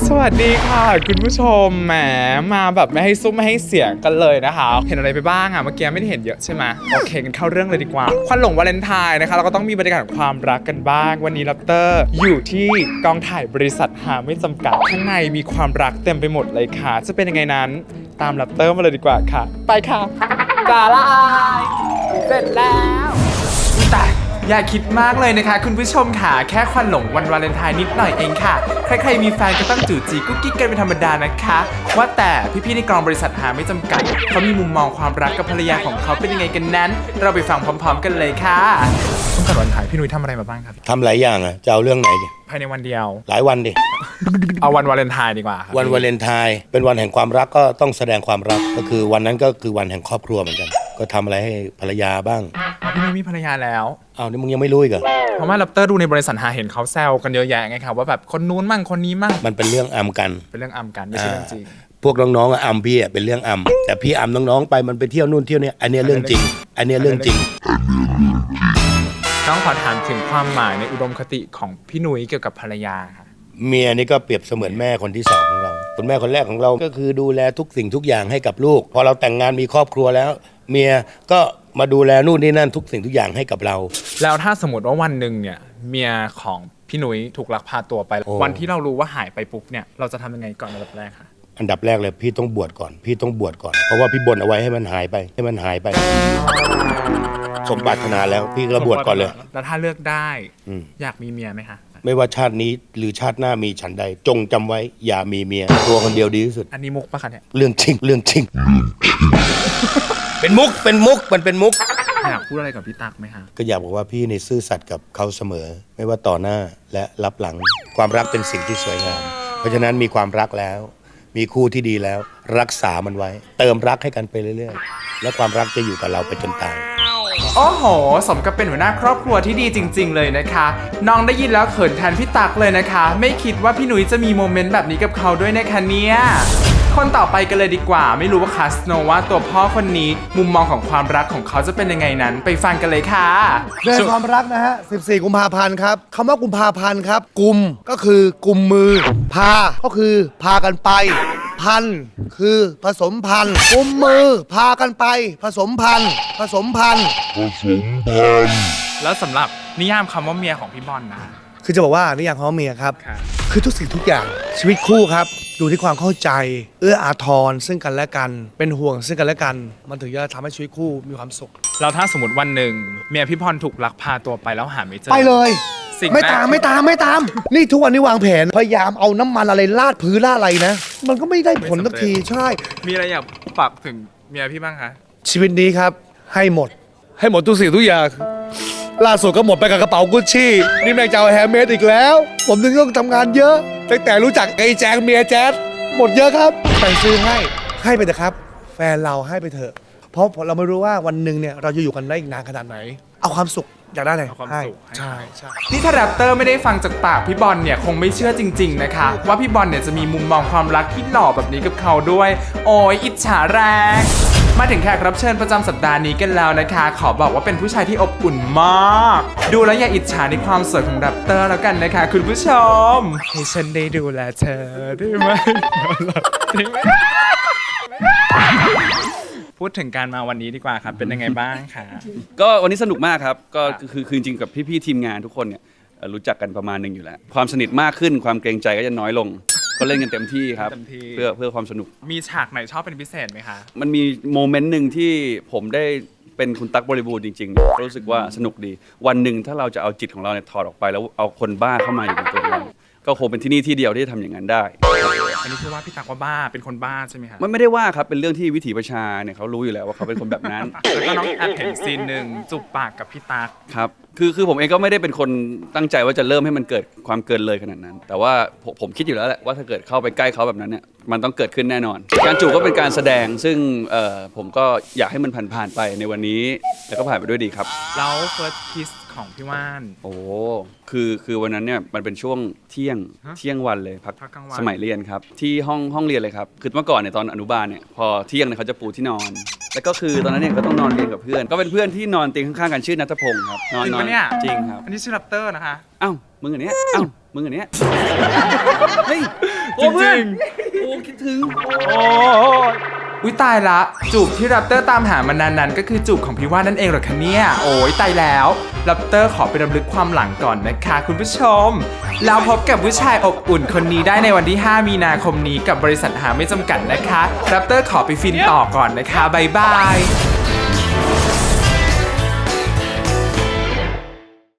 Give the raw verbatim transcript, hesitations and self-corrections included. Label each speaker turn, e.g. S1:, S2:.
S1: สวัสดีค่ะคุณผู้ชมแหมมาแบบไม่ให้ซุ้มไม่ให้เสียงกันเลยนะคะเห็นอะไรไปบ้างอะเมื่อกี้ไม่ได้เห็นเยอะใช่ไหมโอเคกันเข้าเรื่องเลยดีกว่าควันหลงวาเลนไทน์นะคะเราก็ต้องมีบรรยากาศของความรักกันบ้างวันนี้ลัปเตอร์อยู่ที่กองถ่ายบริษัทหาไม่จำกัดข้างในมีความรักเต็มไปหมดเลยค่ะจะเป็นยังไงนั้นตามลัปเตอร์มาเลยดีกว่าค่ะไปค่ะกาลายเสร็จแล้วแต่อย่าคิดมากเลยนะคะคุณผู้ชมค่ะแค่ควันหลงวันวาเลนไทน์นิดหน่อยเองค่ะใครๆมีแฟนก็ต้องจู่จีกุ๊กกิ๊กกันเป็นธรรมดานะคะว่าแต่พี่ๆในกองบริษัทหาไม่จำกัดเขามีมุมมองความรักกับภรรยาของเขาเป็นยังไงกันนั้นเราไปฟังพร้อมๆกันเลยค่ะต้องการวันถ่ายพี่นุ้ยทำอะไรมาบ้างครับ
S2: ทำหลายอย่างอ่ะจะเอาเรื่องไหนดิ
S1: ภายในวันเดียว
S2: หลายวันดิ
S1: เอาวันวาเลนไทน์ดีกว่าครับ
S2: วันวาเลนไทน์เป็นวันแห่งความรักก็ต้องแสดงความรักก็คือวันนั้นก็คือวันแห่งครอบครัวเหมือนกันก็ทำอะไรให้ภรรยาบ้าง
S1: พี่นุ้ยมีภรรยาแล้ว
S2: อ้าวนี่มึงยังไม่รู้อีกเหรอ
S1: เพราะว่าลัปเตอร์ดูในบริษัทหาเห็นเขาแซวกันเยอะแยะไงครับว่าแบบคนนู้นมั่งคนนี้มั่ง
S2: มันเป็นเรื่องอำกัน
S1: เป็นเรื่องอำกันไม่ใช่เรื่องจริง
S2: พวกน้องๆอำพี่เป็นเรื่องอำแต่พี่อำน้องๆไปมันไปเที่ยวนู่นเที่ยวนี่อันนี้เรื่องจริงอันนี้เรื่องจริง
S1: ต้องขอถามถึงความหมายในอุดมคติของพี่นุ้ยเกี่ยวกับภรรยาค่ะ
S2: เมียนี่ก็เปรียบเสมือนแม่คนที่สองของเราคุณแม่คนแรกของเราก็คือดูแลทุกสิ่งทุกอย่างให้กับลูกพอเราแต่งงานมีครอบครัวแล้วเมียก็มาดูแลนู่นนี่นั่นทุกสิ่งทุกอย่างให้กับเรา
S1: แล้วถ้าสมมติว่าวันหนึ่งเนี่ยเมียของพี่นุ้ยถูกลักพาตัวไปวันที่เรารู้ว่าหายไปปุ๊บเนี่ยเราจะทำยังไงก่อนอันดับแรกคะ
S2: อันดับแรกเลยพี่ต้องบวชก่อนพี่ต้องบวชก่อนเพราะว่าพี่บ่นเอาไว้ให้มันหายไปให้มันหายไปสมปรารถนาแล้วพี่ก็บวชก่อนเลย
S1: แล้วถ้าเลือกได้อยากมีเมียไหมคะ
S2: ไม่ว่าชาตินี้หรือชาติหน้ามีฉันใดจงจำไว้อย่ามีเมียตัวคนเดียวดีที่สุด
S1: อันนี้มุกปะคะเนี่ย
S2: เรื่องจริงเรื่องจริงเป็นมุกเป็นมุกมันเป็นมุก
S1: อยากพูดอะไรกับพี่ตั๊กไหมคะ
S2: ก็อยากบอกว่าพี่ในซื่อสัตย์กับเขาเสมอไม่ว่าต่อหน้าและรับหลังความรักเป็นสิ่งที่สวยงามเพราะฉะนั้นมีความรักแล้วมีคู่ที่ดีแล้วรักษามันไว้เติมรักให้กันไปเรื่อยๆและความรักจะอยู่กับเราไปจนตาย
S1: โอ้โหสมกับเป็นหัวหน้าครอบครัวที่ดีจริงๆเลยนะคะน้องได้ยินแล้วเขินแทนพี่ตั๊กเลยนะคะไม่คิดว่าพี่หนุ่ยจะมีโมเมนต์แบบนี้กับเขาด้วยนะคะเนี่ยคนต่อไปกันเลยดีกว่าไม่รู้ว่าคาสโนว่าตัวพ่อคนนี้มุมมองของความรักของเขาจะเป็นยังไงนั้นไปฟังกันเลยค่ะ
S3: เรื่องความรักนะฮะสิบสี่กุมภาพันธ์ครับคำว่ากุมภาพันธ์ครับกุมก็คือกุมมือพาก็คือพากันไปพันคือผสมพันธุ์กุมมือพากันไปผสมพันธุ์ผสมพันธุ์ผสมพันธุ์
S1: แล้วสำหรับนิยามคำว่าเมียของพี่บอลนะ
S3: คือจะบอกว่านิยามคำว่าเมียครับคือทุกสิ่งทุกอย่างชีวิตคู่ครับดูที่ความเข้าใจเอื้ออาทรซึ่งกันและกันเป็นห่วงซึ่งกันและกันมันถึงจะทำให้ชีวิตคู่มีความสุข
S1: แล้วถ้าสมมติวันหนึ่งเมียพี่พรถูกลักพาตัวไปแล้วหาไม่เจอ
S3: ไปเลยไม่ตามไม่ตามไม่ตามนี่ทุกวันนี้วางแผนพยายามเอาน้ำมันอะไรลาดพื้นลาดอะไรนะมันก็ไม่ได้ผลสักทีใช่
S1: มีอะไรอยากฝากถึงเมียพี่บ้างคะ
S3: ชีวิตนี้ครับให้หมดให้หมดทุกสิ่งทุกอย่างล่าสุดก็หมดไปกับกระเป๋ากุชชี่นี่แม่งจะเอาแฮมเมดอีกแล้วผมถึงต้องทำงานเยอะตั้งแต่รู้จักไอ้แจงเมียแจ๊ดหมดเยอะครับแต่ซื้อให้ให้ไปเถอะครับแฟนเราให้ไปเถอะเพราะเราไม่รู้ว่าวันหนึ่งเนี่ยเราจะอยู่กันได้อีกนานขนาดไหนเอาความสุขอยากได้อะไร
S1: ความสุข
S3: ใช่ใช่
S1: นี่ถ้าแรปเตอร์ไม่ได้ฟังจากปากพี่บอลเนี่ยคงไม่เชื่อจริงๆนะคะว่าพี่บอลเนี่ยจะมีมุมมองความรักที่หล่อแบบนี้กับเขาด้วยโอ้ยอิจฉาแรงมาถึงแขกรับเชิญประจำสัปดาห์นี้กันแล้วนะคะขอบอกว่าเป็นผู้ชายที่อบอุ่นมากดูแล้วอย่าอิจฉาในความสวยของแรปเตอร์แล้วกันนะคะคุณผู้ชมให้ฉันได้ดูแลเธอได้ไหมได้ไหมพูดถึงการมาวันนี้ดีกว่าครับเป็นยังไงบ้างคะ
S4: ก็วันนี้สนุกมากครับก็คือคือจริงกับพี่ๆทีมงานทุกคนเนี่ยรู้จักกันประมาณหนึ่งอยู่แล้วความสนิทมากขึ้นความเกรงใจก็จะน้อยลงก็เล่นกันเต็มที่ครับเพื่อเพื่อความสนุก
S1: มีฉากไหนชอบเป็นพิเศษไหมคะ
S4: มันมีโมเมนต์หนึ่งที่ผมได้เป็นคุณตั๊กบริบูรณ์จริงๆรู้สึกว่าสนุกดีวันหนึ่งถ้าเราจะเอาจิตของเราเนี่ยถอดออกไปแล้วเอาคนบ้าเข้ามาอยู่ในตัวเราก็คงเป็นที่นี่ที่เดียวที่จะทำอย่างนั้นได้
S1: อันนี้คือว่าพี่ตั๊กว่าบ้าเป็นคนบ้าใช่ไหมครับ
S4: มันไม่ได้ว่าครับเป็นเรื่องที่วิถีประชาเนี่ยเขารู้อยู่แล้วว่าเขาเป็นคนแบบนั้น
S1: แล้วก็น้องแอบเห็นซีนหนึ่งจูบปากกับพี่ตั๊ก
S4: ครับคือคือผมเองก็ไม่ได้เป็นคนตั้งใจว่าจะเริ่มให้มันเกิดความเกินเลยขนาดนั้นแต่ว่าผมผมคิดอยู่แล้วแหละว่าถ้าเกิดเข้าไปใกล้เขาแบบนั้นเนี่ยมันต้องเกิดขึ้นแน่นอนการจูบก็เป็นการแสดงซึ่งเอ่อผมก็อยากให้มันผ่านๆไปในวันนี้แล้วก็ผ่านไปด้วยดีครับ
S1: แล้ว first kiss ของพี่ว่าน
S4: โอ้คือคือวันนั้นเนี่ยมันเป็นช่วงเที่ยงเที่ยงวันเลยพักสมัยเรียนครับที่ห้องห้องเรียนเลยครับคือเมื่อก่อนเนี่ยตอนอนุบาลเนี่ยพอเที่ยงเนี่ยเขาจะปูที่นอนแล้วก็คือตอนนั้นเนี่ยก็ต้องนอนเรียนกับเพื่อนก็เป็นเพื่อนที่นอนเตียงข้างๆกันชื่อณัฐพงศ์ครับ
S1: นอนนอน
S4: จริงครับ
S1: อันนี้ชื่อแรปเตอร์นะคะ
S4: อ้าวมึงอันเนี้ยอ้าวมึงอันเนี้ยเฮ้ยโอ้เพื่อน
S1: จริง
S4: โอ้คิดถึง
S1: โอ้ยอุ้ยตายละ จูบที่แรปเตอร์ตามหามานานนั้นก็คือจูบของพี่ว่านั่นเองเหรอคะเนี่ย โอ้ยตายแล้วแรปเตอร์ขอไปรำลึกความหลังก่อนนะคะคุณผู้ชม แล้วพบกับผู้ชายอบอุ่นคนนี้ได้ในวันที่ ห้า มีนาคมนี้กับบริษัทหาไม่จำกัดนะคะแรปเตอร์ขอไปฟินต่อก่อนนะคะบ๊ายบาย